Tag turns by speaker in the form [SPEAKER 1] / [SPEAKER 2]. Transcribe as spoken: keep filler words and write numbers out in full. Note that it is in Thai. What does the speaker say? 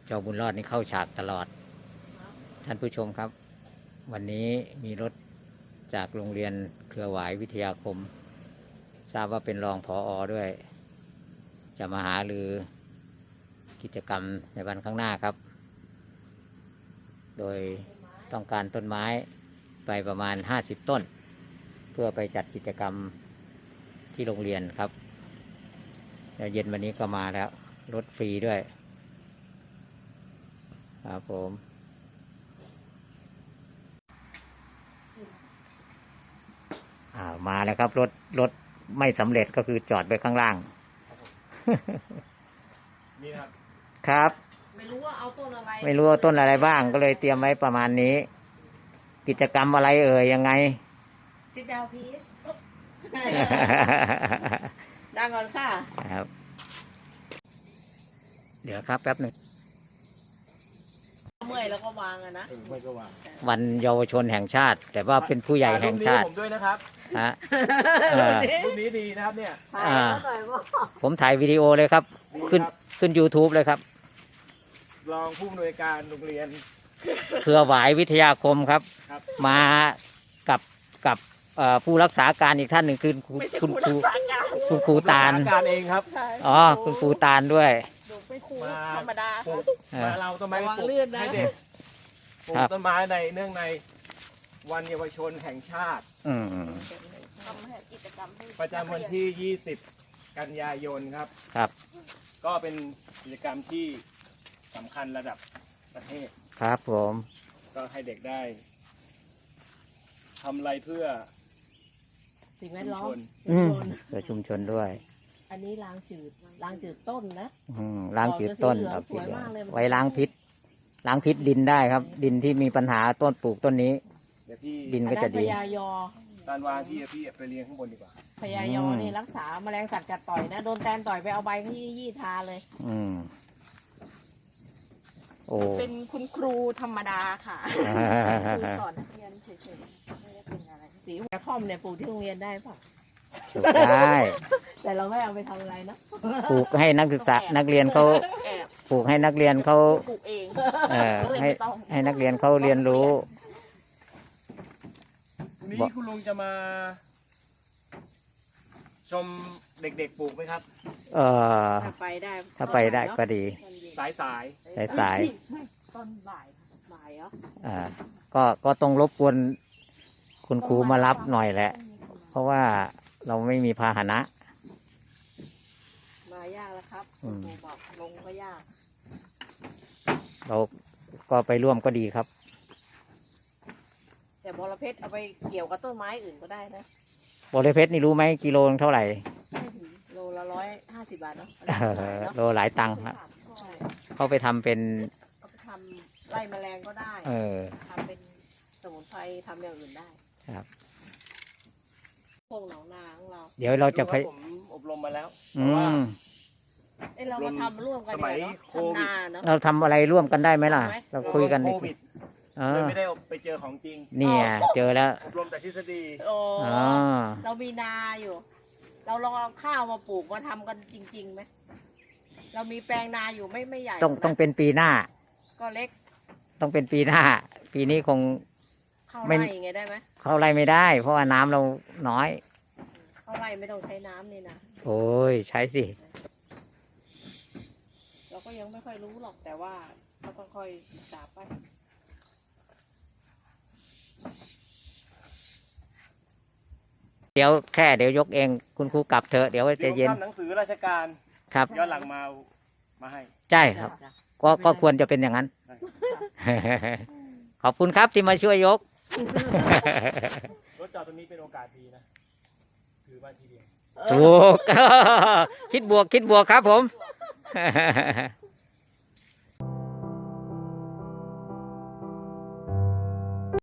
[SPEAKER 1] เจ้าบุญรอดนี่เข้าฉากตลอดท่านผู้ชมครับวันนี้มีรถจากโรงเรียนเครือหวายวิทยาคมทราบว่าเป็นรองผออด้วยจะมาหารือกิจกรรมในวันข้างหน้าครับโดยต้องการต้นไม้ไปประมาณห้าสิบต้นเพื่อไปจัดกิจกรรมที่โรงเรียนครับแล้วเย็นวันนี้ก็มาแล้วรถฟรีด้วยครับผมอ่ามาแล้วครับรถรถไม่สำเร็จก็คือจอดไปข้างล่าง
[SPEAKER 2] นี่ครับ
[SPEAKER 1] ครับ
[SPEAKER 3] ไม่รู้ว่าเอาต้นอะไร
[SPEAKER 1] ไม่รู้ว่าต้นอะไรบ้างก็เลยเตรียมไว้ประมาณนี้กิจกรรมอะไรเอ่ยยังไง
[SPEAKER 3] Sit down please ดังก่อนค่ะ
[SPEAKER 1] ครับเดี๋ยวครับแป๊บหนึ่ง
[SPEAKER 3] เมื่อยแล้วก็วางอะนะ
[SPEAKER 2] เมื่อยก็วาง
[SPEAKER 1] วันเยาวชนแห่งชาติแต่ว่าเป็นผู้ใหญ่แห่งชาติ
[SPEAKER 2] ผมด้วยนะครับ
[SPEAKER 1] ฮะ
[SPEAKER 2] รูปนี้ดีนะครับเนี่ย
[SPEAKER 1] ผมถ่ายวิดีโอเลยครับขึ้นขึ้น YouTube เลยครับ
[SPEAKER 2] รองผู้อำนวยการโรงเรียน
[SPEAKER 1] เครือหวายวิทยาคมครับมากับกับผู้รักษาการอีกท่านหนึ่งคือคุณครูคุณครูตาล
[SPEAKER 2] การเองครับ
[SPEAKER 1] อ๋อคุณครูตาลด้วย
[SPEAKER 2] มาธรรมดามาเราต้นไม้ปลูกให้เด็กปลูกต้นไม้ในเนื่องในวันเยาวชนแห่งชาติประจำวันที่ยี่สิบกันยายนครับ
[SPEAKER 1] ครับ
[SPEAKER 2] ก็เป็นกิจกรรมที่สำคัญระดับประเทศ
[SPEAKER 1] ครับผม
[SPEAKER 2] ก็ให้เด็กได้ทำอะไรเพื่อ
[SPEAKER 3] สิ่งแวดล้อม
[SPEAKER 1] เพื่อชุมชนด้วย
[SPEAKER 3] อันนี้ล้างจืดล้างจืดต้นนะ
[SPEAKER 1] ล้างจืดต้นครับไว้ล้างพิษล้างพิษดินได้ครับดินที่มีปัญหาต้นปลูกต้นนี้ดินก็จะดี
[SPEAKER 3] พยายอ
[SPEAKER 2] การวางที่พี่ไปเรียงข้างบนดีกว่า
[SPEAKER 3] พยายอนี่รักษาแมลงสัตว์กัดต่อยนะโดนแตนต่อยไปเอาใบที่ยี่ทาเลย
[SPEAKER 1] อืมโอ้
[SPEAKER 3] เป็นคุณครูธรรมดาค่ะครูสอนนักเรียนเฉยๆไม่ได้เป็นอะไรสีหัวค่อมเนี่ยปลูกที่โรงเรียนได้ป่ะ
[SPEAKER 1] ปลูกได้
[SPEAKER 3] แต่เราไม่เอาไปทำอะไรนะ
[SPEAKER 1] ปลูกให้นักศึกษานักเรียนเขาปลูกให้นักเรียนเขา
[SPEAKER 3] ปลูกเอง
[SPEAKER 1] เออให้ให้นักเรียนเขาเรียนรู้
[SPEAKER 2] วันนี้คุณลุงจะมาชมเด็กๆปลูกไหมครับ
[SPEAKER 1] เออ
[SPEAKER 3] ถ้าไปได้
[SPEAKER 1] ถ้าไปได้ก็ดี
[SPEAKER 2] สายสาย
[SPEAKER 1] สายสาย
[SPEAKER 3] ตอนบ่ายบ่ายเหรอ
[SPEAKER 1] อ่าก็ก็ต้องรบกวนคุณครูมารับหน่อยแหละเพราะว่าเราไม่มีพาหนะ
[SPEAKER 3] มายากแล้วครับครูบอกลงก็ยาก
[SPEAKER 1] เราก็ไปร่วมก็ดีครับ
[SPEAKER 3] แต่บอระเพ็ดเอาไปเกี่ยวกับต้นไม้อื่นก็ได้นะ
[SPEAKER 1] บอระเพ็ดนี่รู้ไหมกิโลเท่าไหร่
[SPEAKER 3] โลละร้อยห้าสิบบาทเนาะ
[SPEAKER 1] โลหลายตังค์ครับเขาไปทำเป็น
[SPEAKER 3] เขาไปทำไล่แมลงก็ได้
[SPEAKER 1] เออ
[SPEAKER 3] ทำเป็นสมุนไพรทำอย่างอื่นได้
[SPEAKER 1] ครับ
[SPEAKER 3] พวกหนองนาของเรา
[SPEAKER 1] เดี๋ยวเราจะไป
[SPEAKER 2] ผมอบรมมาแล้ว
[SPEAKER 1] อืม
[SPEAKER 3] เอ้เรามาทำร่วมกัน
[SPEAKER 2] สมัยโควิด
[SPEAKER 1] เราทำอะไรร่วมกันได้ไหมล่ะเราคุยกัน
[SPEAKER 2] โควิดไม่ได้ไปเจอของจริง
[SPEAKER 1] เนี่ยเจอแล้ว
[SPEAKER 2] อบรมแต่ทฤษฎี
[SPEAKER 3] โอ้เรามีนาอยู่เราลองเอาข้าวมาปลูกมาทำกันจริงๆไหมเรามีแปลงนาอยู่ไม่ไม่ใหญ่
[SPEAKER 1] ต้องต้องเป็นปีหน้า
[SPEAKER 3] ก็เล็ก
[SPEAKER 1] ต้องเป็นปีหน้าปีนี้คง
[SPEAKER 3] เข้าไร่ไงได้ไหม
[SPEAKER 1] เข้าไร่ไม่ได้เพราะว่าน้ำเราน้อย
[SPEAKER 3] เข้าไร่ไม่ต้องใช้น้ำนี่นะ
[SPEAKER 1] โอ้ยใช้สิ
[SPEAKER 3] เราก็ยังไม่ค่อยรู้หรอกแต่ว่าเราต้องค่อยศึกษาไป
[SPEAKER 1] เดี๋ยวแค่เดี๋ยวยกเองคุณครูกลับเถอะเดี๋ยวจะเย็น
[SPEAKER 2] ทำหนังสือราชการ
[SPEAKER 1] ครับ
[SPEAKER 2] ย้อนหลังมามาให้
[SPEAKER 1] ใช่ครับก็ก็ควรจะเป็นอย่างนั้นขอบคุณครับที่มาช่วยยก
[SPEAKER 2] รถจอดตรงนี้เป็นโอกาสดีนะถือมาทีเดียว
[SPEAKER 1] ถูกคิดบวกคิดบวกครับผม